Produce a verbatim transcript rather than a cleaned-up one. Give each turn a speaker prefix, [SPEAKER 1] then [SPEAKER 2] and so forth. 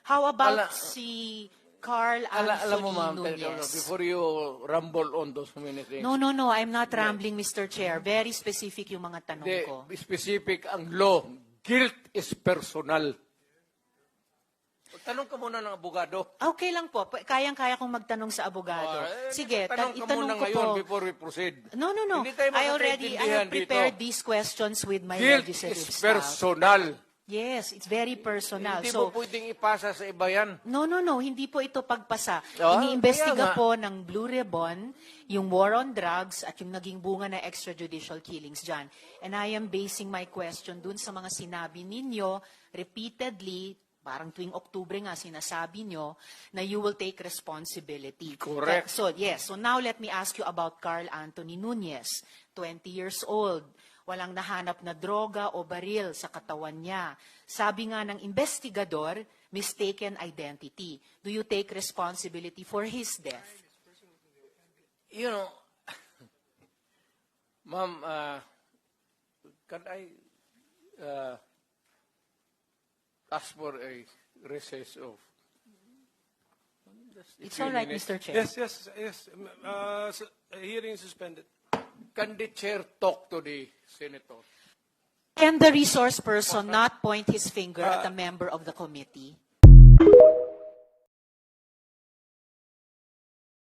[SPEAKER 1] How about
[SPEAKER 2] Ala-
[SPEAKER 1] si Carl
[SPEAKER 2] Ala, alam mo,
[SPEAKER 1] Anthony
[SPEAKER 2] ma'am, teka,
[SPEAKER 1] Nunez?
[SPEAKER 2] before you rumble on those many things,
[SPEAKER 1] No, no, no. I'm not rambling, Mister Chair. Very specific yung mga tanong
[SPEAKER 2] the
[SPEAKER 1] ko.
[SPEAKER 2] specific ang law, guilt is personal. Tanong ka muna ng abogado.
[SPEAKER 1] Okay lang po. Pa- Kayang-kaya kong magtanong sa abogado.
[SPEAKER 2] Ah, eh,
[SPEAKER 1] Sige,
[SPEAKER 2] tanong
[SPEAKER 1] tan-
[SPEAKER 2] ka
[SPEAKER 1] itanong
[SPEAKER 2] muna
[SPEAKER 1] ko
[SPEAKER 2] ngayon
[SPEAKER 1] po.
[SPEAKER 2] before we proceed.
[SPEAKER 1] No, no, no.
[SPEAKER 2] Hindi tayo
[SPEAKER 1] I already I have
[SPEAKER 2] magkakaintindihan
[SPEAKER 1] prepared
[SPEAKER 2] dito.
[SPEAKER 1] these questions with my
[SPEAKER 2] Guilt
[SPEAKER 1] legislative
[SPEAKER 2] is
[SPEAKER 1] staff.
[SPEAKER 2] personal.
[SPEAKER 1] Yes, it's very personal.
[SPEAKER 2] Hindi
[SPEAKER 1] So,
[SPEAKER 2] mo pwedeng ipasa sa iba yan.
[SPEAKER 1] no, no, no. Hindi po ito pagpasa.
[SPEAKER 2] Ah,
[SPEAKER 1] Iniimbestiga
[SPEAKER 2] kaya nga.
[SPEAKER 1] po ng Blue Ribbon yung war on drugs at yung naging bunga na extrajudicial killings dyan. And I am basing my question dun sa mga sinabi ninyo repeatedly, parang tuwing Oktubre nga sinasabi nyo, na you will take responsibility.
[SPEAKER 2] Correct.
[SPEAKER 1] So, yes. So now let me ask you about Carl Anthony Nunez, twenty years old. Walang nahanap na droga o baril sa katawan niya. Sabi nga ng investigador, mistaken identity. Do you take responsibility for his death?
[SPEAKER 2] You know, ma'am, uh, can I uh, ask for a recess of just a
[SPEAKER 1] It's
[SPEAKER 2] few
[SPEAKER 1] all right,
[SPEAKER 2] minutes?
[SPEAKER 1] Mister Chair.
[SPEAKER 3] Yes, yes, yes. Uh, s- hearing suspended.
[SPEAKER 2] Can the chair talk to the senator?
[SPEAKER 1] Can the resource person not point his finger at a member of the committee?